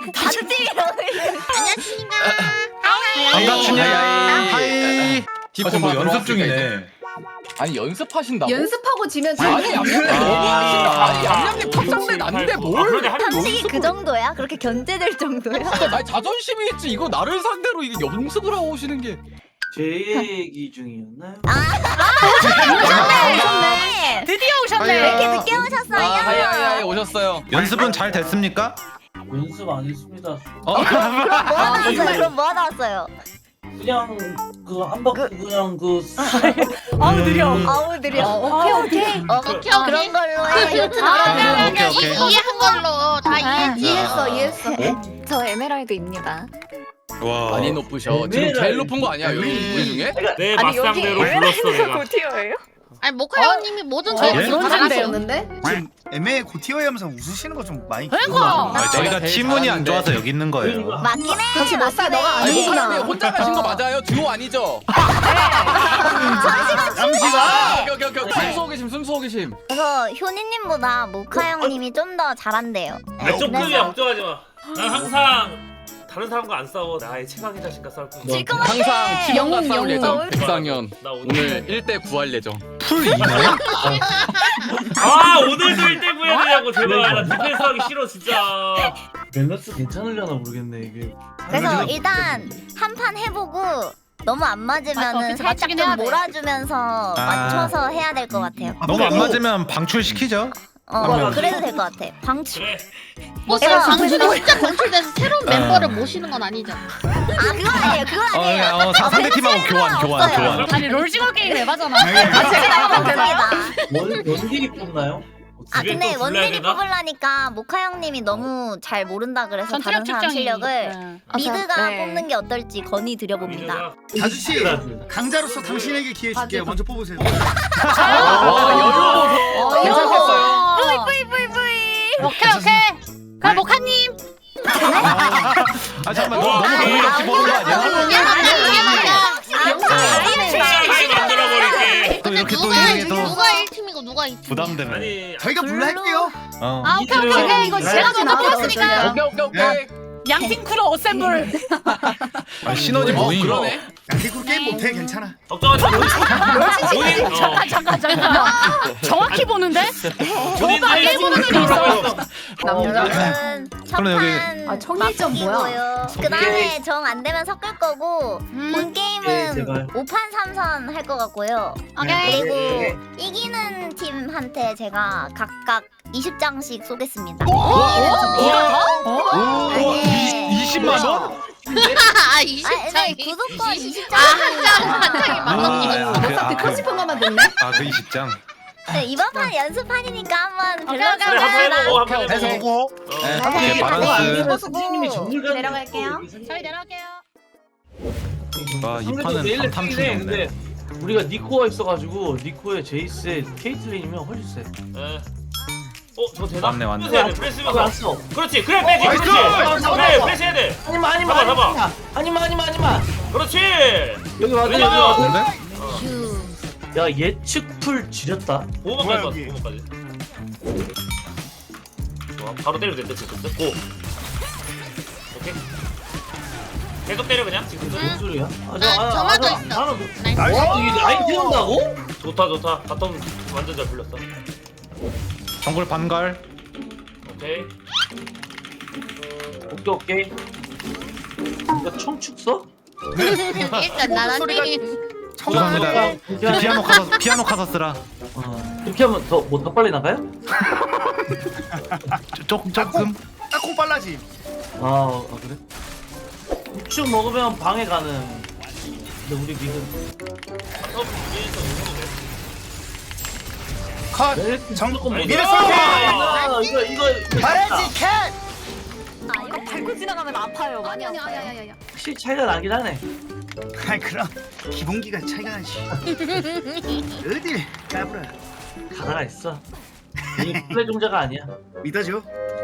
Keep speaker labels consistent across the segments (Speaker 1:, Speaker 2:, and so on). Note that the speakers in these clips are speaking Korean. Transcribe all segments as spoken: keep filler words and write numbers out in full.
Speaker 1: 다른 팀이라고.
Speaker 2: 안녕하십니까.
Speaker 3: 반갑습니다.
Speaker 4: 하이.
Speaker 3: 아, 뭐 연습 중이네.
Speaker 4: 아니 연습하신다고?
Speaker 5: 연습하고 지면
Speaker 4: 아니 얌얌님 너무하신다. 아니 얌얌님 탑상대 난데 뭘?
Speaker 1: 상식이 그 정도야? 그렇게 견제될 정도야?
Speaker 4: 진짜 나 자존심이 있지. 이거 나를 상대로 이게 연습을 하고 오시는 게.
Speaker 6: 제 얘기 중이었나요?
Speaker 1: 오셨네.
Speaker 2: 드디어 오셨네.
Speaker 1: 왜 이렇게 늦게
Speaker 4: 아 하이 하이 하이
Speaker 1: 오셨어요?
Speaker 4: 오셨어요.
Speaker 3: 연습은 잘 됐습니까?
Speaker 6: 연습 안 했습니다.
Speaker 3: 어?
Speaker 1: 그럼 뭐 하다 왔어요? 그럼 뭐 하다 왔어요?
Speaker 6: 그냥 그 한 바퀴 그냥 그
Speaker 2: 아우 느려.
Speaker 1: 아우 느려.
Speaker 5: 오케이 오케이.
Speaker 1: 어,
Speaker 2: 오케이, 오케이.
Speaker 1: 그런 걸로 해.
Speaker 2: 아,
Speaker 3: 오케이, 오케이.
Speaker 2: 이- 이해한 걸로 다 이해했지.
Speaker 5: 이해했어 이해했어. 저 에메랄드입니다.
Speaker 3: 와.
Speaker 4: 많이 높으셔. 지금 제일 높은 거 아니야 여기 우리 중에?
Speaker 7: 내 맞상대로 불렀어 내가.
Speaker 5: 고티어예요?
Speaker 2: 아니 모카 형님이 모든
Speaker 5: 어,
Speaker 2: 저희
Speaker 3: 예?
Speaker 5: 그런
Speaker 2: 잘하세요.
Speaker 5: 상대였는데?
Speaker 8: 지금 애매해 고티어이 하면서 웃으시는 거 좀 많이
Speaker 2: 그러니까.
Speaker 3: 아, 저희가
Speaker 4: 제일
Speaker 3: 팀운이 안
Speaker 4: 잘하는데.
Speaker 3: 좋아서 여기 있는 거예요.
Speaker 1: 맞긴 해.
Speaker 5: 같이 못 살, 너가
Speaker 4: 아니
Speaker 5: 아니구나.
Speaker 4: 모카님 혼자 가신 거 맞아요? 듀오 아니죠?
Speaker 8: 남지가
Speaker 4: 오케이 오케이 오케이. 숨 쏘고 계심 숨 쏘고 계심.
Speaker 1: 그래서 효니님보다 모카 형님이 좀 더 잘한대요.
Speaker 7: 아, 좀
Speaker 1: 그래서-
Speaker 7: 크게 걱정하지 마. 난 항상 다른 사람과 안 싸워. 나의 최강의 자신과 싸울 거야.
Speaker 1: 질것 같아.
Speaker 4: 항상 팀원과
Speaker 5: 영웅,
Speaker 4: 싸울
Speaker 5: 영웅.
Speaker 4: 예정. 백상현
Speaker 7: 나 오늘.
Speaker 4: 오늘 일 대 구할 예정.
Speaker 3: 풀 이나요?
Speaker 7: 아 오늘도 일 대 구해야 되냐고 제발. 나 디펜스 하기 싫어 진짜.
Speaker 6: 밸런스 괜찮으려나 모르겠네 이게.
Speaker 1: 그래서 일단 한 판 해보고 너무 안
Speaker 2: 맞아,
Speaker 1: 맞으면은
Speaker 2: 그치,
Speaker 1: 살짝
Speaker 2: 맞추긴
Speaker 1: 좀
Speaker 2: 해야 돼.
Speaker 1: 몰아주면서 맞춰서 해야 될 것 같아요.
Speaker 3: 너무 안 맞으면 방출시키죠.
Speaker 1: 어,
Speaker 6: 맞아.
Speaker 1: 그래도 될 것 같아. 방출.
Speaker 7: 그래.
Speaker 2: 뭐
Speaker 1: 내가
Speaker 2: 방출이 진짜 방출돼서 새로운 멤버를 모시는 건 아니죠.
Speaker 1: 아 그건 아니에요. 그건
Speaker 3: 어,
Speaker 1: 아니에요.
Speaker 3: 그냥, 어, 사- 상대 팀하고 교환, 교환,
Speaker 1: 없어요.
Speaker 3: 교환.
Speaker 2: 아니 롤징어 게임 해봐잖아.
Speaker 1: 아 제가 맞습니다.
Speaker 6: 원 원딜이 뽑나요?
Speaker 1: 아
Speaker 7: 집에
Speaker 1: 근데
Speaker 7: 또 불러야
Speaker 1: 원딜이
Speaker 7: 되나?
Speaker 1: 뽑으려니까 모카 형님이 너무 잘 모른다 그래서 다른
Speaker 2: 전투력
Speaker 1: 사람
Speaker 2: 측정이.
Speaker 1: 실력을
Speaker 2: 네.
Speaker 1: 미드가
Speaker 5: 네.
Speaker 1: 뽑는 게 어떨지 건의 드려봅니다.
Speaker 8: 아저씨 강자로서 당신에게 기회 줄게요. 먼저 뽑으세요.
Speaker 4: 와 여유. 괜찮겠어요.
Speaker 1: 뿌이 뿌이 뿌이 뿌이.
Speaker 2: 오케이 오케이. 그럼 모카님.
Speaker 3: 아 잠깐만 너무 너무 고민 없이 보는 거 아니야?
Speaker 2: 이게 맞다 이게 맞다.
Speaker 7: 최강하게 만들어버릴게.
Speaker 3: 또 이렇게 또
Speaker 2: 누가
Speaker 3: 이게 또
Speaker 2: 누가 일 팀이고 누가 이 팀?
Speaker 3: 부담되네.
Speaker 7: 아니
Speaker 8: 저희가 불러 할게요.
Speaker 3: 어.
Speaker 2: 아 오케이 오케이 오케이 이거 제가 먼저 뽑았으니까
Speaker 4: 오케이 오케이 오케이.
Speaker 2: 양팀 크루 어셈블.
Speaker 3: 아, 시너지
Speaker 4: 어
Speaker 3: 모임.
Speaker 4: 그러네.
Speaker 8: 양팀 게임 못해 괜찮아.
Speaker 7: 걱정하지 마. 본인 어.
Speaker 2: 잠깐 잠깐 잠깐. 정확히 보는데?
Speaker 7: 본인들이
Speaker 2: 일본어는
Speaker 7: 스스로
Speaker 2: 있어.
Speaker 7: 하고 있어.
Speaker 1: 여러분
Speaker 3: 그럼 여기-
Speaker 1: 첫판
Speaker 5: 아, 청일점 뭐야?
Speaker 1: 그 다음에 정 안 되면 섞을 거고
Speaker 2: 음.
Speaker 1: 본
Speaker 6: 네,
Speaker 1: 게임은
Speaker 6: 제발.
Speaker 1: 오 판 삼 선 할 것 같고요.
Speaker 2: 오케이.
Speaker 1: 그리고 이기는 팀한테 제가 각각 이십 장씩 쏘겠습니다. 네.
Speaker 3: 이십만 원?
Speaker 2: 아
Speaker 1: 아,
Speaker 2: 이십
Speaker 1: 네,
Speaker 2: 장이.
Speaker 1: 구독권 이십
Speaker 2: 아한 장
Speaker 1: 장.
Speaker 2: 한 장이 만 원이면.
Speaker 3: 아, 그,
Speaker 5: 딱
Speaker 3: 아,
Speaker 5: 듣고
Speaker 3: 그,
Speaker 5: 싶은 것만 듣네.
Speaker 3: 아, 그 이십 장.
Speaker 1: 네, 이번 판 연습판이니까 한번
Speaker 2: 오케이,
Speaker 1: 밸런스
Speaker 2: 오케이,
Speaker 7: 그래 한번
Speaker 1: 해보자.
Speaker 7: 해보고 한번
Speaker 4: 해서
Speaker 7: 해보고.
Speaker 8: 보고
Speaker 4: 네.
Speaker 7: 어.
Speaker 3: 오케이, 바란스.
Speaker 6: 선생님이 정글
Speaker 5: 내려갈게요.
Speaker 2: 저희 내려갈게요.
Speaker 3: 와, 이
Speaker 6: 상대도
Speaker 3: 판은
Speaker 6: 내일
Speaker 3: 삼
Speaker 6: 냈긴
Speaker 3: 탐충이
Speaker 6: 해.
Speaker 3: 없네.
Speaker 6: 근데 우리가 니코가 있어가지고 니코에 제이스에 케이틀린이면 훨씬 세.
Speaker 7: 예. 어 저거 되나?
Speaker 3: 맞네, 맞네.
Speaker 7: 프레스 해야 돼. 프레스
Speaker 6: 아,
Speaker 7: 면서.
Speaker 6: 왔어.
Speaker 7: 그렇지 그래 빼지
Speaker 8: 나이스!
Speaker 7: 그렇지.
Speaker 6: 잡아,
Speaker 7: 그래
Speaker 6: 잡아.
Speaker 7: 프레스 해야 돼.
Speaker 6: 아니마 아니마
Speaker 7: 잡아, 잡아.
Speaker 6: 아니마 아니마 아니마 아니마.
Speaker 7: 그렇지.
Speaker 6: 여기 와서 여기
Speaker 7: 왜냐면-
Speaker 6: 와서.
Speaker 3: 근데?
Speaker 6: 야 예측 풀 지렸다.
Speaker 7: 보호막까지 봤어
Speaker 8: 여기?
Speaker 7: 보호막까지. 좋아 바로 때려도 된다 지금. 고. 오케이. 계속 때려 그냥 지금.
Speaker 6: 무슨 소리야? 아,
Speaker 2: 아, 정화도 있어.
Speaker 6: 나는
Speaker 2: 나이스.
Speaker 6: 와 이게 라인 태운다고?
Speaker 7: 좋다 좋다. 바텀 완전 잘 풀렸어.
Speaker 3: 정글 반갈.
Speaker 7: 오케이.
Speaker 6: 오케이 오케이. 이거 청축 써?
Speaker 2: 일단 나나님.
Speaker 3: 죄송합니다. 그 피아노 카서 피아노 카서 쓰라.
Speaker 6: 어. 이렇게 하면 더 뭐 더 빨리 나가요?
Speaker 3: 조금 조금.
Speaker 8: 딱콩 빨라지.
Speaker 6: 아, 아 그래? 우측 먹으면 방해 가능. 근데 우리 미드
Speaker 7: 바텀 위에서 누르면 돼.
Speaker 8: 컷.
Speaker 6: 네,
Speaker 8: 정
Speaker 7: 아니,
Speaker 8: 미래
Speaker 7: 너-
Speaker 8: 쏠게.
Speaker 6: 아, 이거 이거 이거
Speaker 8: 말해지 캣.
Speaker 1: 아, 이거
Speaker 5: 밟고 지나가면 아파요. 많이
Speaker 2: 아니
Speaker 5: 아파요.
Speaker 2: 아니 아니 아니.
Speaker 6: 확실히 차이가 나긴 하네.
Speaker 8: 아이 그럼 기본기가 차이가 나지. 어디 까불어.
Speaker 6: 가다가 있어. 이 플레이 종자가 아니야.
Speaker 8: 믿어줘.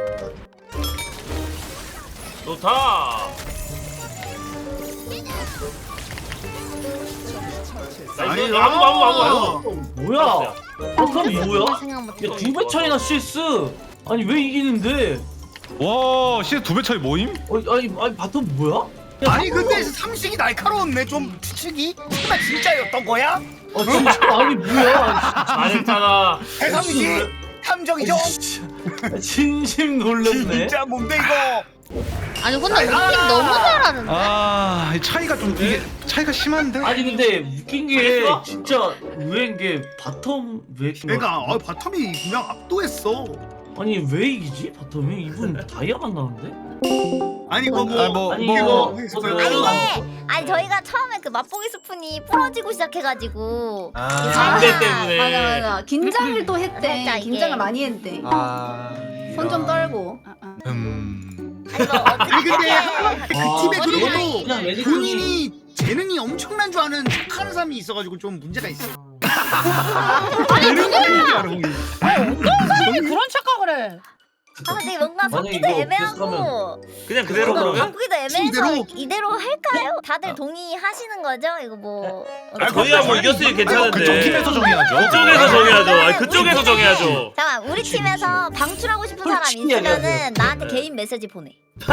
Speaker 7: 좋다. 나
Speaker 8: 아니,
Speaker 7: 이거 아무 아무 아무 아무.
Speaker 6: 어, 뭐야? 그럼 뭐야?
Speaker 2: 생각 못
Speaker 6: 야, 두 배 차이나 실수. 아니 왜 이기는데?
Speaker 3: 와 시대 두 배 차이 모임?
Speaker 6: 어, 아니 아니 바텀 뭐야?
Speaker 8: 아니 근데 삼식이 날카로웠네 좀 추측이. 설마 진짜였던 거야?
Speaker 6: 어 진짜 아니 뭐야?
Speaker 7: 잘했잖아.
Speaker 8: 대삼식 탐정이죠?
Speaker 6: 진심 놀랐네.
Speaker 8: 진짜 뭔데 이거?
Speaker 2: 아니 근데 우리 팀 너무 잘하는데?
Speaker 3: 아 차이가 좀 이게 차이가 심한데?
Speaker 6: 아니 근데 웃긴 게 진짜 의외인 게 바텀 왜 이긴
Speaker 8: 내가
Speaker 6: 거야?
Speaker 8: 아, 바텀이 그냥 압도했어.
Speaker 6: 아니 왜 이기지 바텀이? 이분 다이아가 나는데?
Speaker 8: 아니 그거
Speaker 3: 아, 뭐,
Speaker 6: 아니
Speaker 3: 뭐.
Speaker 6: 이거
Speaker 1: 아니
Speaker 6: 뭐,
Speaker 1: 이게 아니 저희가 처음에 그 맛보기 스푼이 부러지고 시작해가지고
Speaker 3: 아,
Speaker 7: 상대 때문에.
Speaker 5: 맞아 맞아. 긴장을 또 했대.
Speaker 1: 살짝 이게.
Speaker 5: 긴장을 많이 했대.
Speaker 3: 아
Speaker 5: 손 좀 떨고.
Speaker 3: 음...
Speaker 1: 아니 뭐 어떻게
Speaker 8: 아니 근데
Speaker 6: 아,
Speaker 8: 그 팀에
Speaker 6: 그냥
Speaker 8: 그리고
Speaker 6: 매니저님.
Speaker 8: 본인이 재능이 엄청난 줄 아는 착한 사람이 있어가지고 좀 문제가 있어.
Speaker 2: 사람이 그런 착각을 해.
Speaker 1: 아 근데 뭔가
Speaker 6: 만약에
Speaker 1: 섞기도
Speaker 6: 이거
Speaker 1: 애매하고
Speaker 7: 그냥 그대로
Speaker 1: 뭔가
Speaker 7: 그러면?
Speaker 1: 바꾸기도 애매해서
Speaker 8: 이대로?
Speaker 1: 이대로 할까요? 다들 동의하시는 거죠? 이거 뭐
Speaker 7: 아, 저희야 뭐 이겼으니 괜찮은데.
Speaker 3: 그쪽 팀에서 정해야죠.
Speaker 7: 그쪽에서 정해야죠. 아니 그쪽에서 정해야죠.
Speaker 1: 잠깐 우리 팀에서 방출하고 싶은 사람
Speaker 6: 솔직히 얘기하세요.
Speaker 1: 있으면은 나한테 개인 메시지 보내.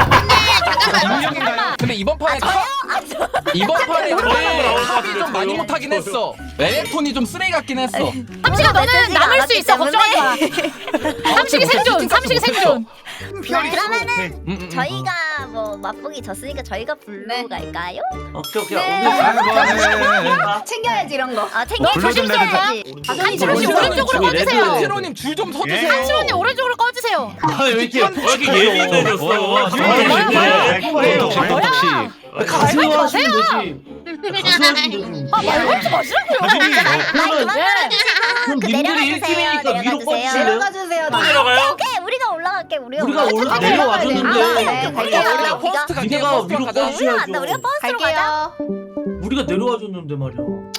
Speaker 4: 근데 이번 판에 탑 이번 판에 탑이 좀 많이 못하긴 했어. 레넥톤이 좀 쓰레기 같긴 했어.
Speaker 2: 삼식아 너는 남을 수 있어 걱정하지 마. 삼식이 생존. 삼식이 생존.
Speaker 1: 그러면은
Speaker 4: 음, 음, 음.
Speaker 1: 저희가 뭐 맛보기 졌으니까 저희가 불러 갈까요?
Speaker 6: 오케이 오케이.
Speaker 5: 네.
Speaker 6: 오늘
Speaker 3: 아이고 네.
Speaker 5: 챙겨야지 이런 거.
Speaker 1: 아 챙겨
Speaker 3: 불러 좀
Speaker 1: 주셔야지.
Speaker 2: 한치로 씨 오른쪽으로
Speaker 6: 레드.
Speaker 2: 꺼주세요.
Speaker 4: 세로님 줄 좀 서주세요.
Speaker 2: 한치로 언니 오른쪽으로 꺼주세요.
Speaker 6: 아왜 이렇게
Speaker 7: 왜 이렇게 예민해졌어?
Speaker 6: 네.
Speaker 3: 덕식 덕식.
Speaker 6: 가수 하시면 되지. 가수 하시면 되지.
Speaker 2: 아 말걸지 마시라고요.
Speaker 6: 그러면 그럼
Speaker 1: 그
Speaker 6: 님들이 일
Speaker 1: 내려가주세요.
Speaker 6: 팀이니까 위로 꺼주실래요?
Speaker 5: 내려가 주세요.
Speaker 7: 내려가요?
Speaker 1: 오케이 우리가 올라갈게 우리
Speaker 6: 우리가 올라
Speaker 1: 아,
Speaker 6: 내려와줬는데
Speaker 1: 네, 갈게요.
Speaker 4: 우리가
Speaker 1: 우리가
Speaker 4: 퍼스트 갈게요.
Speaker 6: 니네가
Speaker 4: 퍼스트
Speaker 6: 위로
Speaker 4: 가자.
Speaker 6: 꺼주셔야죠.
Speaker 1: 우리가 우리가 버스로 가자.
Speaker 5: 갈게요.
Speaker 6: 우리가 내려와줬는데 말이야.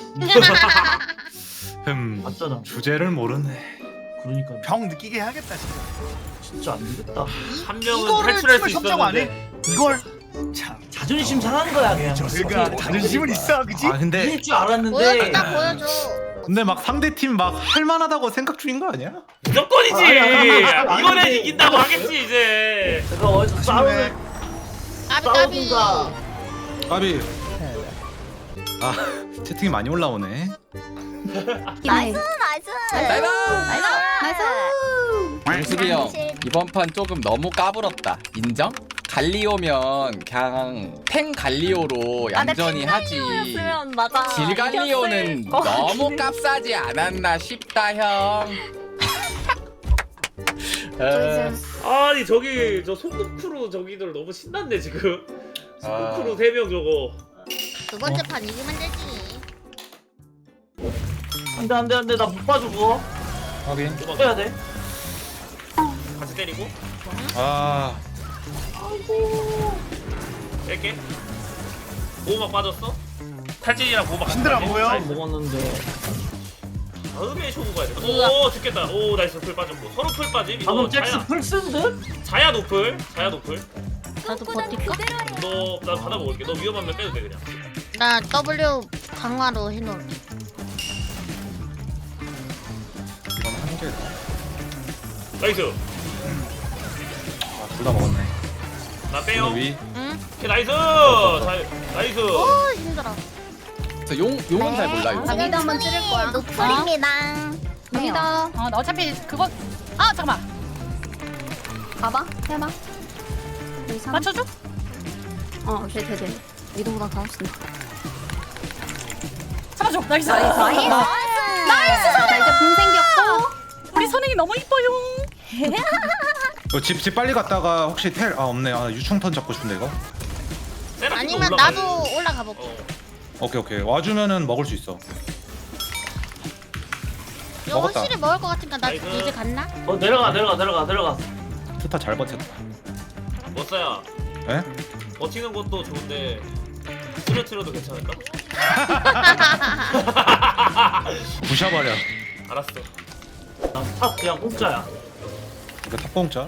Speaker 3: 음
Speaker 6: 맞잖아.
Speaker 3: 주제를 모르네.
Speaker 6: 그러니까
Speaker 8: 병 느끼게 해야겠다 진짜.
Speaker 6: 진짜 안 되겠다.
Speaker 7: 한 명은
Speaker 8: 이거를
Speaker 7: 탈출할 수
Speaker 8: 팀을 협정 안
Speaker 7: 있었는데.
Speaker 8: 해? 이걸 참
Speaker 6: 자존심 상한 거야 그냥.
Speaker 8: 저희가 자존심은 있어 그지?
Speaker 3: 아 근데
Speaker 6: 이길 줄 알았는데.
Speaker 2: 보여준다 보여줘.
Speaker 3: 근데 막 상대 팀 막 할만하다고 생각 중인 거 아니야?
Speaker 7: 무조건이지.
Speaker 6: 아니, 아니, 아니,
Speaker 7: 이번엔
Speaker 6: 아니.
Speaker 7: 이긴다고 하겠지 이제.
Speaker 6: 내가 어디서 싸우는
Speaker 2: 까비 까비.
Speaker 6: 싸우든가.
Speaker 3: 까비. 아 채팅이 많이 올라오네.
Speaker 1: 나이스 나이스.
Speaker 4: 나이스.
Speaker 1: 나이스.
Speaker 4: 영숙이 형 이번 판 조금 너무 까불었다. 인정? 갈리오면 그냥 탱 갈리오로 얌전히 하지.
Speaker 1: 맞아.
Speaker 4: 질 갈리오는 너무 값싸지 않았나 싶다 형. 어,
Speaker 7: 아니 저기 저 소꿉 크루 저기들 너무 신났네 지금. 소꿉
Speaker 4: 아.
Speaker 7: 크루 세 명 저거.
Speaker 2: 두 번째 판 이기면 되지.
Speaker 6: 안돼 안돼 안돼 나 못 봐줘 그거.
Speaker 3: 확인.
Speaker 6: 해야 돼.
Speaker 7: 같이 때리고.
Speaker 3: 아
Speaker 7: 뺄게. 보호막 빠졌어? 탈진이랑 보호막 같이
Speaker 8: 힘들어
Speaker 7: 빠지?
Speaker 8: 보여.
Speaker 6: 잘 먹었는데.
Speaker 7: 다음에 쇼부 가야 돼. 오 죽겠다. 오 나이스 풀 빠졌고. 서로 풀 빠짐. 이거
Speaker 6: 방금 잭스
Speaker 7: 자야.
Speaker 6: 풀쓴 듯?
Speaker 7: 자야 노플. 자야 노플.
Speaker 2: 나도 버틸까?
Speaker 7: 너나 받아 먹을게. 너 위험하면 빼도 돼 그냥.
Speaker 2: 나 W 강화로 해놓을게.
Speaker 3: 이건 한 개.
Speaker 7: 나이스.
Speaker 3: 둘 다 먹었네.
Speaker 7: 나 빼요.
Speaker 3: 위.
Speaker 2: 응?
Speaker 7: 오케이, 나이스. 자, 나이스.
Speaker 2: 오 힘들어.
Speaker 4: 저 용, 용은 잘 몰라요.
Speaker 5: 자, 미드 한번 찌를 거야.
Speaker 1: 노플입니다.
Speaker 5: 미드.
Speaker 2: 어, 나 어차피 그거 아 잠깐만
Speaker 5: 가봐. 해봐. 여기 삼.
Speaker 2: 맞춰줘?
Speaker 5: 어, 돼, 돼, 돼. 미드보다 더 없어.
Speaker 2: 잡아줘. 나이스.
Speaker 5: 나이스. 나이스. 나이스. 자, 이제 공 생겼고.
Speaker 2: 우리 선행이 너무 이뻐요.
Speaker 3: 집, 집 빨리 갔다가 혹시 텔, 아 없네. 아 유충턴 잡고 싶은데 이거.
Speaker 7: 세라핀도
Speaker 2: 아니면
Speaker 7: 올라가야
Speaker 2: 나도
Speaker 7: 돼.
Speaker 2: 올라가 볼게.
Speaker 7: 어.
Speaker 3: 오케이 오케이. 와주면은 먹을 수 있어.
Speaker 2: 이거
Speaker 3: 먹었다.
Speaker 2: 확실히 먹을 것 같으니까 나
Speaker 7: 나이스.
Speaker 2: 이제 갔나?
Speaker 6: 어 내려가 내려가 내려가 내려가.
Speaker 3: 트타 잘 버텼다.
Speaker 7: 멋사야.
Speaker 3: 에?
Speaker 7: 버티는 것도 좋은데 쓰러트려도 괜찮을까?
Speaker 3: 부셔버려.
Speaker 7: 알았어.
Speaker 6: 나탑 그냥 공짜야.
Speaker 3: 이거 탑공짜.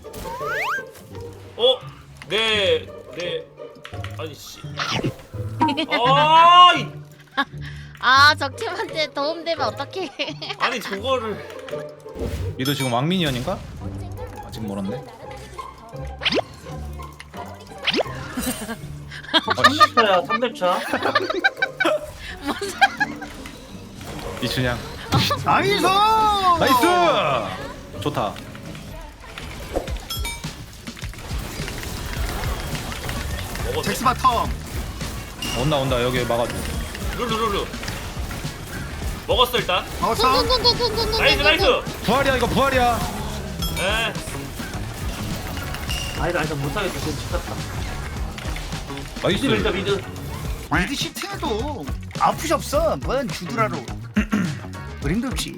Speaker 7: 어? 네, 네. 아니 씨. 아, 이-
Speaker 2: 아 적팀한테 도움되면 어떡해.
Speaker 7: 아니 저거를.
Speaker 3: 얘도 지금 왕미니언인가? 아직 멀었네.
Speaker 6: 삼 렙차야 삼 렙차.
Speaker 3: 이춘향.
Speaker 8: 나이스.
Speaker 3: 나이스. 좋다.
Speaker 7: 먹었네.
Speaker 8: 잭스 바텀.
Speaker 3: 온다 온다 여기 막아줘.
Speaker 7: 룰루룰루. 먹었어 일단.
Speaker 8: 먹었어.
Speaker 7: 나이스 나이스.
Speaker 3: 부활이야 이거 부활이야.
Speaker 7: 에.
Speaker 6: 아니다 아니다 못하겠다. 지금 죽었다.
Speaker 3: 나이스.
Speaker 6: 미드 밀자 미드.
Speaker 8: 미드 시팅해도 아프시 없어. 뭔 주드라로. 그림도 없이.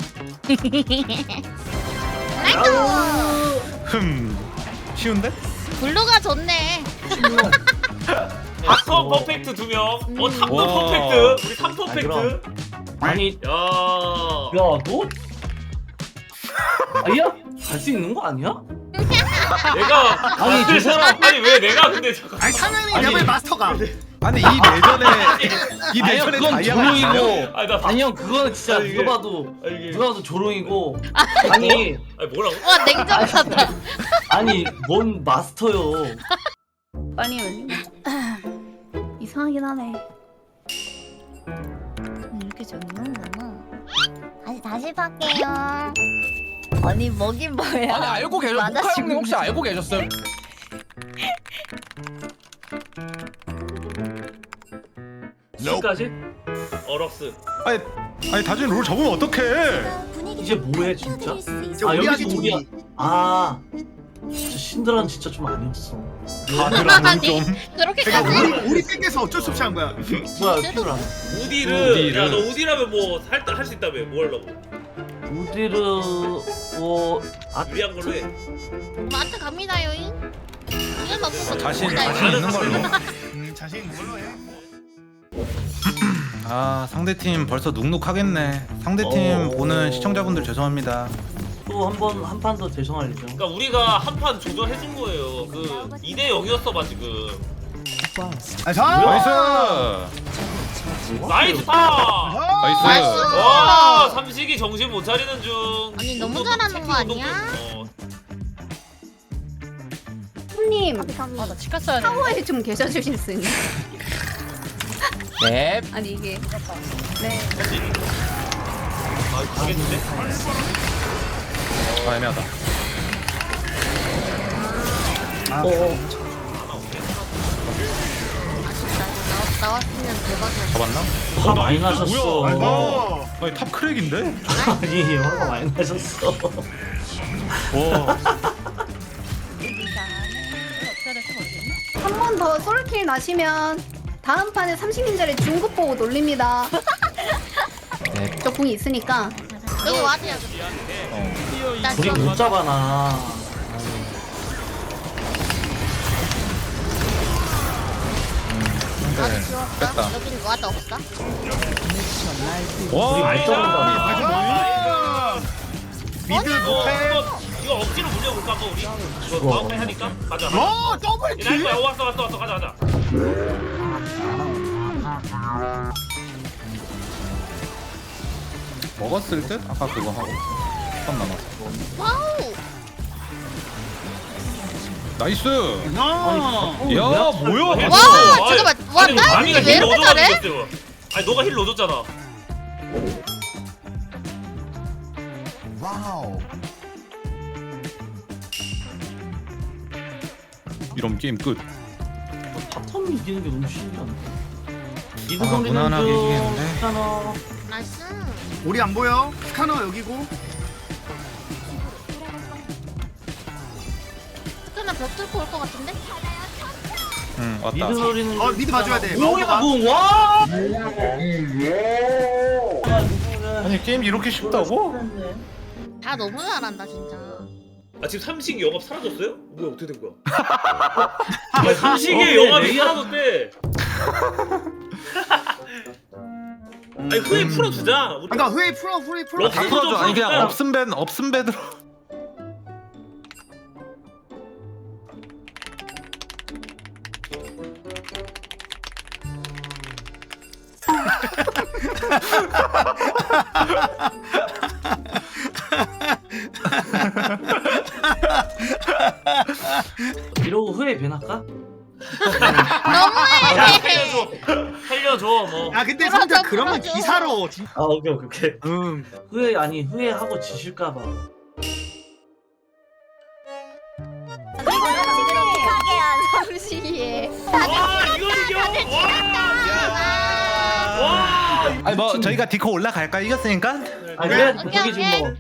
Speaker 3: 흠. 쉬운데?
Speaker 1: 블루가 좋네.
Speaker 7: 탑 퍼펙트 두 명. 어 탑도
Speaker 3: 와.
Speaker 7: 퍼펙트. 우리 탑
Speaker 6: 아,
Speaker 7: 퍼펙트.
Speaker 6: 그럼. 아니
Speaker 7: 야.
Speaker 6: 야 너? 아야? 갈 수 있는 거 아니야?
Speaker 7: 내가
Speaker 6: 아니, 저 사람-
Speaker 7: 아니 왜 내가 근데 잠깐.
Speaker 8: 아니 상현이
Speaker 6: 아니.
Speaker 8: 레벨 마스터가.
Speaker 3: 아니 이 내전에 이
Speaker 6: 아니요
Speaker 3: 내전에
Speaker 6: 그건
Speaker 3: 다이아가
Speaker 6: 조롱이고.
Speaker 7: 아니 나.
Speaker 6: 아니 형 그거는 진짜
Speaker 7: 아니, 이게-
Speaker 6: 누가 봐도
Speaker 7: 아, 이게.
Speaker 6: 누가 봐도 조롱이고. 아니
Speaker 7: 아니 뭐라고?
Speaker 1: 와 냉정하다.
Speaker 6: 아니 뭔 마스터요.
Speaker 5: 빨리 열리. 이상하긴 하네.
Speaker 1: 이렇게 적는구나. 다시 다시 팔게요. 아니 뭐긴 뭐야.
Speaker 4: 아니 알고 계셨
Speaker 1: 맞아,
Speaker 4: 모카 형님
Speaker 1: 지금.
Speaker 4: 혹시 알고 계셨어요?
Speaker 6: 지금까지?
Speaker 7: 어럭스.
Speaker 3: 아니 아니 다준이 롤 접으면 어떡해?
Speaker 6: 이제 뭐해 진짜?
Speaker 8: 이제
Speaker 6: 아
Speaker 8: 우리
Speaker 6: 여기서
Speaker 8: 아기
Speaker 6: 우리야.
Speaker 8: 둘이.
Speaker 6: 아 진짜 신드라는 진짜 좀 아니었어.
Speaker 3: 다들은 좀.
Speaker 8: 그러니까
Speaker 1: 그렇게까지?
Speaker 8: 우리 우리 뺏겨서 어쩔 수 없이 한 거야.
Speaker 6: 뭐야 신드라.
Speaker 7: 우디를.
Speaker 3: 우디를.
Speaker 7: 야 너 우디라면 뭐할할 수 있다며. 뭐 하려고?
Speaker 6: 우디르 뭐 아,
Speaker 7: 유리한 걸로 해.
Speaker 1: 마트 갑니다 요잉. 이걸 먹고
Speaker 3: 자신
Speaker 1: 먹자,
Speaker 3: 자신
Speaker 1: 이거.
Speaker 3: 있는 걸로.
Speaker 8: 음, 자신 있는 걸로 해.
Speaker 3: 아 상대팀 벌써 눅눅하겠네. 상대팀
Speaker 6: 어.
Speaker 3: 보는 시청자분들 죄송합니다.
Speaker 6: 또 한 번 한 판 더 대성하려죠.
Speaker 7: 그러니까 우리가 한 판 조절해준 거예요. 그 이 대 영이었어 봐 지금.
Speaker 8: 아, 자.
Speaker 3: 나이스.
Speaker 7: 나이스 타.
Speaker 3: 나이스.
Speaker 1: 나이스.
Speaker 7: 와 삼식이 정신 못 차리는 중.
Speaker 1: 아니, 너무
Speaker 7: 운동,
Speaker 1: 잘하는
Speaker 7: 체크
Speaker 1: 거
Speaker 7: 운동
Speaker 1: 아니야?
Speaker 7: 어.
Speaker 5: 손님
Speaker 2: 아나 치켰어야 돼.
Speaker 5: 타워에 좀 계셔주실 수 있나요?
Speaker 4: 네.
Speaker 5: 아니 이게 네.
Speaker 7: 아 되겠는데?
Speaker 3: 아 애매하다.
Speaker 1: 나왔으면 대박이야.
Speaker 3: 잡았나?
Speaker 6: 화 많이 나셨어.
Speaker 3: 뭐야?
Speaker 8: 어.
Speaker 3: 아니 탑 크랙인데?
Speaker 6: 아니 화가 많이 나셨어.
Speaker 3: 와.
Speaker 5: 한 번 더 솔킬 나시면 다음 판에 삼십 인자리 중급 보고 놀립니다.
Speaker 4: 네.
Speaker 5: 저 궁이 있으니까.
Speaker 1: 여기 와드야. 나
Speaker 6: 우리
Speaker 1: 지금
Speaker 6: 못 잡아나.
Speaker 3: 근데
Speaker 1: 와드 지웠어.
Speaker 3: 뺐다.
Speaker 1: 여긴 와드 없어.
Speaker 3: 와.
Speaker 6: 우리 못 잡는다.
Speaker 8: 아, 미드
Speaker 7: 이거
Speaker 8: 못해.
Speaker 7: 이거 이거 억지로 물려볼까 봐 우리. 이거 마우페 하니까 가자.
Speaker 8: 어, 더블
Speaker 7: 이 나이스
Speaker 8: 킬.
Speaker 7: 어, 왔어 왔어 왔어 가자 가자.
Speaker 3: 먹었을 듯? 아까 그거 하고. 한 남았어.
Speaker 1: 와우.
Speaker 3: 나이스.
Speaker 8: 아.
Speaker 3: 야 뭐야?
Speaker 1: 와,
Speaker 7: 아니,
Speaker 1: 잠깐만. 와,
Speaker 7: 아니,
Speaker 1: 나
Speaker 7: 마미가
Speaker 1: 왜
Speaker 7: 힐
Speaker 1: 이렇게
Speaker 7: 넣어줘가지고
Speaker 1: 잘해?
Speaker 7: 했어요. 아니 너가 힐 넣어줬잖아.
Speaker 8: 와우.
Speaker 3: 이런 게임 끝.
Speaker 6: 바텀 이기는 게 너무 신기한데. 미드
Speaker 3: 아,
Speaker 6: 경기는
Speaker 3: 무난하게
Speaker 6: 좀
Speaker 3: 이기겠는데?
Speaker 6: 스카너.
Speaker 1: 나이스.
Speaker 8: 우리 안 보여? 스카너 여기고.
Speaker 1: 스크나 벽 뚫고 올 것 같은데?
Speaker 3: 응 왔다.
Speaker 6: 미드 노리는.
Speaker 8: 어, 미드 봐줘야 돼.
Speaker 6: 뭐야
Speaker 8: 마오가.
Speaker 6: 뭐 와?
Speaker 3: 아니 게임 이렇게 쉽다고?
Speaker 1: 다 너무 잘한다 진짜.
Speaker 7: 아 지금 삼식이 영업 사라졌어요? 뭐야 어떻게 된 거야? 아 삼식의
Speaker 6: 어,
Speaker 7: 영업이
Speaker 6: 레이아-
Speaker 7: 사라졌대. 아니 후에 풀어주자. 우리
Speaker 8: 그러니까 후웨이 프로 후웨이 프로.
Speaker 7: 러-
Speaker 3: 다 풀어줘. 아니 그냥
Speaker 7: 풀어줘.
Speaker 3: 없음 밴 없음 밴으로.
Speaker 6: 이러고 후회 변할까?
Speaker 7: 야 살려줘 살려줘 뭐.
Speaker 8: 아 근데 성태 그러면 기사로. 진-
Speaker 6: 아 오케이 오케이 오케이.
Speaker 8: 음.
Speaker 6: 후회 아니 후회하고 지실까봐.
Speaker 1: 그리고 지금 픽하게 한 삼식이에.
Speaker 7: 와 이거 이겨. 와. 와.
Speaker 3: 아니 뭐 저희가 디코 올라갈까 이겼으니까
Speaker 6: 아 그래 거기 지금 뭐.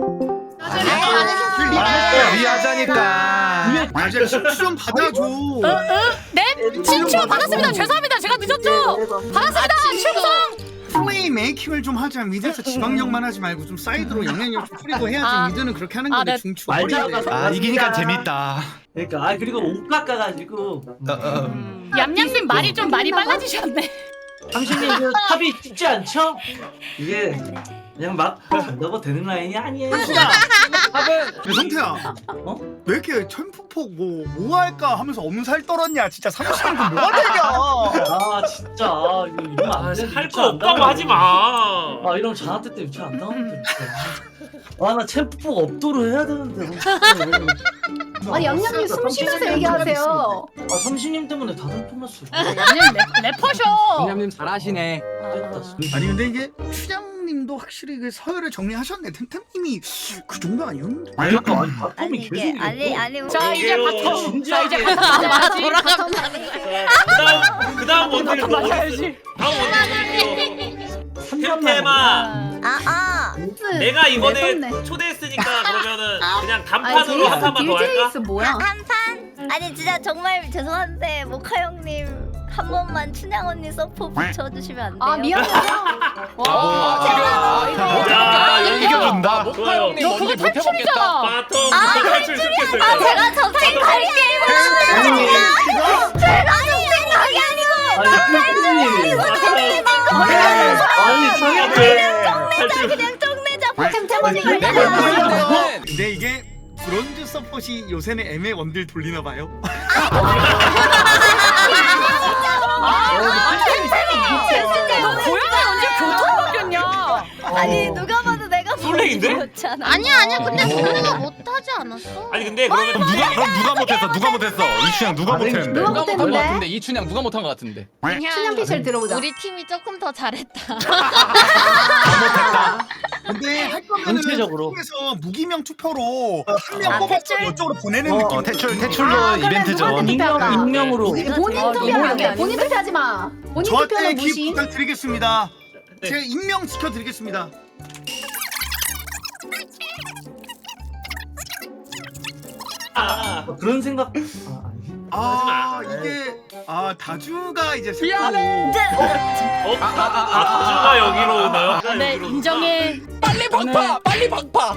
Speaker 3: 리하자니까.
Speaker 8: 아 진짜 친추 좀 받아줘.
Speaker 2: 네? 친추 받았습니다. 죄송합니다. 제가 늦었죠? 받았습니다. 충성.
Speaker 8: 플레이 메이킹을 좀 하자. 미드에서 지방력만 하지 말고 좀 사이드로 영향력 좀 뿌리고 해야지.
Speaker 2: 아.
Speaker 8: 미드는 그렇게 하는
Speaker 2: 아,
Speaker 8: 건데
Speaker 2: 네.
Speaker 8: 중추
Speaker 6: 말자가
Speaker 8: 버리네.
Speaker 3: 아 이기니까 재밌다.
Speaker 6: 그러니까 아 그리고 옷 깎아가지고
Speaker 3: 어, 어.
Speaker 2: 얌얌님 말이 좀 많이 빨라지셨네.
Speaker 6: 당신이 그 탑이 죽지 않죠? 이게 그냥 막 넣어도 되는 라인이 아니에요.
Speaker 8: 야, 성태야.
Speaker 6: 어?
Speaker 8: 왜 이렇게 천프폭 뭐, 뭐 할까 하면서 엄살 떨었냐. 진짜 삼십년도 뭐가 되냐.
Speaker 6: 아 진짜 아, 이거 이러면 안 돼.
Speaker 7: 할 거 없다고 하지 마.
Speaker 6: 아 이러면 자한테 때 유치 안 나오는데. 아나 챔프폭 업도로 해야 되는데.
Speaker 5: 아니 양양님 숨 쉬면서 얘기하세요.
Speaker 6: 아 삼신님 때문에 다들 끝났어.
Speaker 2: 얌얌 래퍼셔.
Speaker 4: 님 잘하시네.
Speaker 8: 아니 근데 이게 추장님도 확실히 그 서열을 정리하셨네. 템템님이 그 정도 아니었는데.
Speaker 6: 아니 아니
Speaker 1: 아니
Speaker 6: 바텀이
Speaker 1: 이게
Speaker 6: 계속
Speaker 1: 아니
Speaker 6: 이겼어.
Speaker 1: 아니
Speaker 2: 자 이제
Speaker 7: 이게요.
Speaker 2: 바텀. 자 이제 바텀 맞아야지.
Speaker 7: 그다음 그다음 원딜
Speaker 2: 바텀 맞아야지.
Speaker 7: 다음 원딜 템템아.
Speaker 1: 아아
Speaker 7: 내가 이번에
Speaker 5: 매섭네.
Speaker 7: 초대했으니까 그러면은 그냥
Speaker 5: 아니
Speaker 7: 단판으로 한 판만 더 할까?
Speaker 5: 딜제이스 뭐야?
Speaker 1: 한 판? 아니 진짜 정말 죄송한데 모카 형님 한 번만 춘향 언니 서포 붙여주시면 안 돼요?
Speaker 5: 아 미안해요.
Speaker 4: 아, 지금 아, 이거
Speaker 7: 야,
Speaker 4: 이거
Speaker 3: 이겨준다.
Speaker 4: 모카 형님
Speaker 2: 너
Speaker 4: 뭔지
Speaker 2: 그거
Speaker 4: 못 해먹겠다.
Speaker 2: 탈출이잖아.
Speaker 7: 바텀 부터 탈출 시켰을
Speaker 1: 아
Speaker 7: 거야.
Speaker 1: 제가 저 생각이
Speaker 6: 아니
Speaker 1: 제가 저 생각이 아니고
Speaker 6: 아니 아니 상혁이
Speaker 7: 탈출.
Speaker 1: 그냥 쪽내자 템템 언니
Speaker 4: 내가
Speaker 1: 걸려요.
Speaker 4: 보기에는
Speaker 8: 근데 이게 브론즈 서폿이 요새는 애매 원딜 돌리나 봐요.
Speaker 2: 너 고양이 언제 교통 바뀌었냐?
Speaker 1: 아니 누가 봐도 내가
Speaker 7: 솔랭인데?
Speaker 1: 그렇잖아.
Speaker 9: 아니야 아니야 근데 소리가 못하지 않았어?
Speaker 7: 아니 근데 그러면
Speaker 3: 그럼 누가 그럼 누가 못했어? 누가 못했어? 이춘향 누가 못했는데?
Speaker 5: 누가
Speaker 4: 누가 못한 것
Speaker 5: 못했는데?
Speaker 4: 같은데 이춘향 누가 못한 것 같은데.
Speaker 5: 춘향 피셜 들어보자.
Speaker 9: 우리 팀이 조금 더 잘했다.
Speaker 8: 근데 할 거면은
Speaker 6: 전체적으로.
Speaker 8: 에서 무기명 투표로 한 명
Speaker 1: 아,
Speaker 8: 뽑아서
Speaker 1: 퇴출?
Speaker 8: 이쪽으로 보내는
Speaker 6: 어,
Speaker 8: 느낌.
Speaker 3: 어 퇴출 퇴출로
Speaker 5: 아, 그래,
Speaker 3: 이벤트죠.
Speaker 5: 누구한테
Speaker 6: 익명 익명으로.
Speaker 1: 이거
Speaker 5: 본인
Speaker 1: 제가
Speaker 5: 투표하면 안 돼.
Speaker 2: 아닌데?
Speaker 5: 본인 투표하지 마. 본인
Speaker 8: 저한테
Speaker 5: 투표는
Speaker 8: 기
Speaker 5: 무시.
Speaker 8: 부탁드리겠습니다.
Speaker 7: 네.
Speaker 8: 제가 익명 지켜드리겠습니다.
Speaker 7: 아,
Speaker 6: 그런 생각. 아, 아니.
Speaker 8: 아
Speaker 7: 하지 마.
Speaker 8: 이게 아 다주가 이제
Speaker 4: 미안해.
Speaker 7: 어? 아주가 여기로 오나요?
Speaker 2: 네 인정해.
Speaker 4: 빨리 박파, 빨리 박파.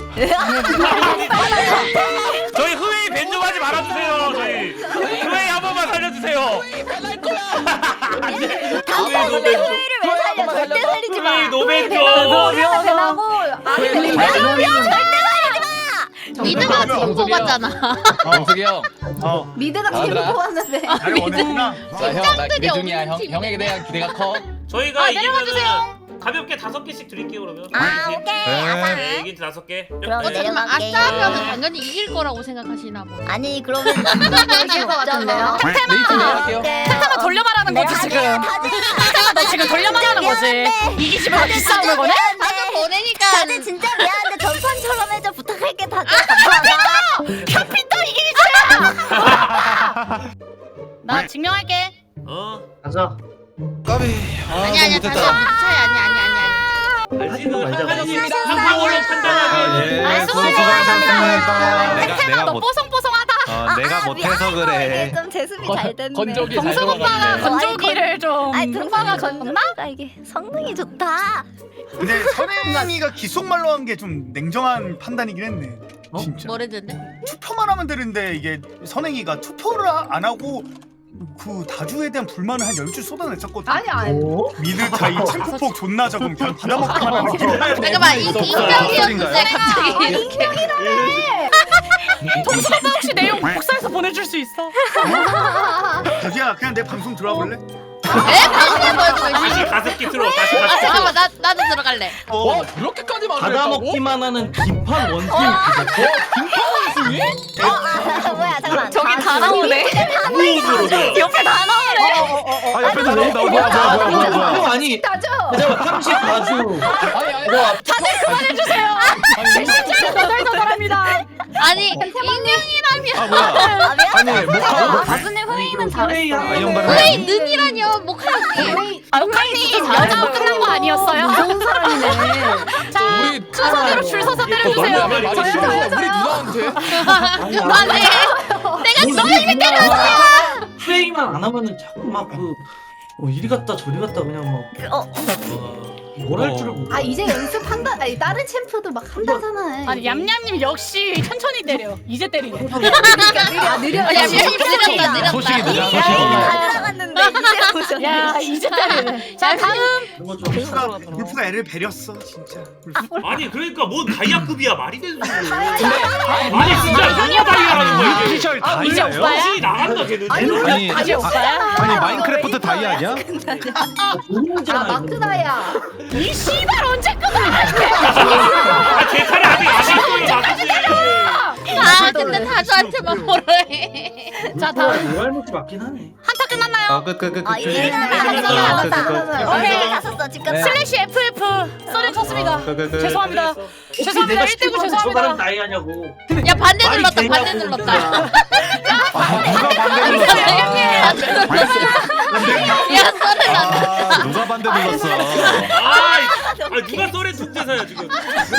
Speaker 7: 저희 흐웨이 밴 좀 하지 말아주세요. 저희 흐웨이 한 번만 살려주세요.
Speaker 4: 배날 거야.
Speaker 1: 당연히 후회를 왜 살려? 절대 살리지 마.
Speaker 7: 흐웨이 노벤 좀.
Speaker 5: 미안해 배나고. 아니
Speaker 9: 미드가 팀
Speaker 4: 정석이요.
Speaker 9: 뽑았잖아.
Speaker 4: 정석이 형.
Speaker 8: 어
Speaker 5: 미드가 팀
Speaker 4: 아들아.
Speaker 5: 뽑았는데.
Speaker 8: 나를 원했구나.
Speaker 4: 자, 형, 나
Speaker 9: 팀장들이
Speaker 4: 기대 중이야.
Speaker 9: 없는
Speaker 4: 형,
Speaker 9: 팀이네.
Speaker 4: 형에게 대한 기대가 커.
Speaker 7: 저희가
Speaker 2: 아,
Speaker 7: 이기면은
Speaker 2: 내려와주세요.
Speaker 7: 가볍게 다섯 개씩 드릴게요 그러면.
Speaker 1: 아 오케이
Speaker 7: 네,
Speaker 1: 아상.
Speaker 7: 이긴 다섯 개.
Speaker 1: 그럼
Speaker 7: 네.
Speaker 9: 잠깐만
Speaker 1: 내려갈게요.
Speaker 9: 아싸하면은 당연히 이길 거라고 생각하시나 보.
Speaker 1: 아니 그러면 누가 이길 것 같은데요?
Speaker 4: 네, 이춘 내려갈게요.
Speaker 2: 템템아 돌려 말하는 거지 지금. 템템아 너 지금 돌려 말하는 거지. 이기지면 비싸우는 거네?
Speaker 1: 다들
Speaker 9: 보내니까
Speaker 1: 다들 진짜 미안한데 전판처럼 해줘 부탁할게 다들 감사합니다.
Speaker 2: 캡틴도 이기기 싫어. 나 증명할게.
Speaker 7: 어.
Speaker 6: 가자.
Speaker 3: 까비.
Speaker 9: 아니 아니야 다시 한번 차이 아니 아니 아니 아니.
Speaker 7: 알지는
Speaker 6: 말자,
Speaker 7: 한판씩
Speaker 1: 말자.
Speaker 7: 한 방으로
Speaker 3: 아,
Speaker 7: 판단하기.
Speaker 3: 예.
Speaker 2: 아,
Speaker 3: 수고하셨습니다. 내가
Speaker 2: 템템아
Speaker 3: 내가
Speaker 2: 너
Speaker 3: 못
Speaker 2: 뽀송뽀송하다.
Speaker 3: 어, 내가 못해서 그래.
Speaker 1: 좀 제습이 잘 됐네.
Speaker 4: 건조기 잘
Speaker 2: 정석 오빠가
Speaker 4: 들어갔네.
Speaker 2: 건조기를 좀
Speaker 1: 아니
Speaker 2: 오빠가
Speaker 1: 등산이
Speaker 2: 줬나?
Speaker 1: 건조기가 이게 성능이 좋다.
Speaker 8: 근데 선행이가 기속말로 한 게 좀 냉정한 판단이긴 했네.
Speaker 6: 어?
Speaker 8: 진짜.
Speaker 9: 뭐랬는데?
Speaker 8: 투표만 하면 되는데 이게 선행이가 투표를 아- 안 하고 그 다주에 대한 불만을 한 열 줄 쏟아냈었거든.
Speaker 5: 아니 아니.
Speaker 6: 오.
Speaker 8: 미드 차이 챔프폭 존나 적음 그냥 받아먹기만 하는 게.
Speaker 9: 잠깐만 이 익명이었는데 갑자기 이렇게.
Speaker 2: 정석 오빠 혹시 내용 복사해서 보내줄 수 있어?
Speaker 8: 다주야 그냥 내 방송 들어와 볼래?
Speaker 9: 에? 방금 보여주고 있어.
Speaker 7: 다시 가습기 틀어. 다시
Speaker 9: 아
Speaker 7: 가습기 틀어.
Speaker 9: 잠깐만 나 나도 들어갈래.
Speaker 4: 와 이렇게까지 말을 했다고?
Speaker 6: 받아먹기만 하는 김판 원숭이.
Speaker 4: 김파원숭이?
Speaker 1: 어, 아, 뭐야 잠깐만.
Speaker 2: 저기 다
Speaker 1: 다주.
Speaker 2: 나오네.
Speaker 7: 우으로 돼.
Speaker 2: 옆에 다 나오네.
Speaker 3: 아 옆에 나온다. 뭐야 뭐야 뭐야 뭐야 뭐야.
Speaker 6: 형 아니.
Speaker 5: 다죠.
Speaker 6: 그냥 삼십 다주.
Speaker 4: 아니 아니
Speaker 2: 다들 그만해주세요. 진짜 너덜너덜합니다.
Speaker 9: 아니 익명이라면
Speaker 3: 아 뭐야. 아니 모카
Speaker 2: 다수님 후웨이는 잘했어.
Speaker 3: 아이언바를
Speaker 9: 왜 능이라뇨 목하기.
Speaker 2: 아, 후웨이님 여자로 끝난 거 아니었어요?
Speaker 5: 무서운 사람이네.
Speaker 2: 자,
Speaker 4: 우리
Speaker 2: 순서대로 줄 서서 때려주세요.
Speaker 4: 너무 말이
Speaker 6: 저요,
Speaker 4: 싫어.
Speaker 6: 저요,
Speaker 4: 우리 누나한테.
Speaker 9: 안돼. 내가 너를 이미 때렸어.
Speaker 6: 플레이만 안 하면은 자꾸 막그 어, 이리 갔다 저리 갔다 그냥 막
Speaker 1: 어.
Speaker 6: 뭘 할 줄을 모르.
Speaker 5: 아 이제 연습한다. 아니 다른 챔프도 막 한다잖아.
Speaker 2: 아니 얌얌님 역시 천천히 때려. 이제 때리네.
Speaker 5: 아 느려.
Speaker 9: 야 느렸다 느렸다.
Speaker 3: 소식이 느려
Speaker 1: 안
Speaker 3: 소식이.
Speaker 1: 나갔는데 이제 오셨네.
Speaker 2: 야 이제 때리네. 자 다음.
Speaker 6: 이거 좀
Speaker 8: 울프가 울프가 애를 배렸어 진짜.
Speaker 7: 아니 그러니까 뭔 다이아급이야 말이 되는 소리.
Speaker 4: 근데
Speaker 7: 아니 진짜 누가 다이아라는 거야 이게.
Speaker 3: 피셜
Speaker 2: 아, 이제
Speaker 3: 다이아예요?
Speaker 2: 오빠야?
Speaker 7: 정신이 나간다 걔는.
Speaker 3: 아니
Speaker 2: 다시 오빠야?
Speaker 3: 아니 마인크래프트 다이아 아니야?
Speaker 5: 아 마크다야.
Speaker 2: 이 씨발 언제 끝나?
Speaker 7: 아 제차례 아직 안 했어요 맞지.
Speaker 9: 아 근데 다주한테만 뭐래.
Speaker 2: 자 다음
Speaker 6: 뭐할 먹지 맞긴 하네.
Speaker 2: 한타 끝났나요?
Speaker 3: 아그그그
Speaker 1: 아 이제 나갔어. 나갔어. 오케이 갔었어. 집 갔어.
Speaker 2: 슬래시 에프에프 쏘리 쳤습니다.
Speaker 3: 그,
Speaker 2: 죄송합니다.
Speaker 6: 혹시
Speaker 2: 죄송합니다.
Speaker 6: 내가
Speaker 2: 일 대 구
Speaker 6: 시키면 저 사람
Speaker 2: 죄송합니다.
Speaker 6: 나이하냐고.
Speaker 9: 야 반대
Speaker 6: 말이
Speaker 9: 눌렀다
Speaker 6: 되냐고,
Speaker 9: 반대 눌렀다.
Speaker 3: 아 누가 반대 눌렀어?
Speaker 9: 야 썰을 안.
Speaker 3: 아 누가 반대 눌렀어?
Speaker 7: 아, 아 누가 썰의 통제사야 지금.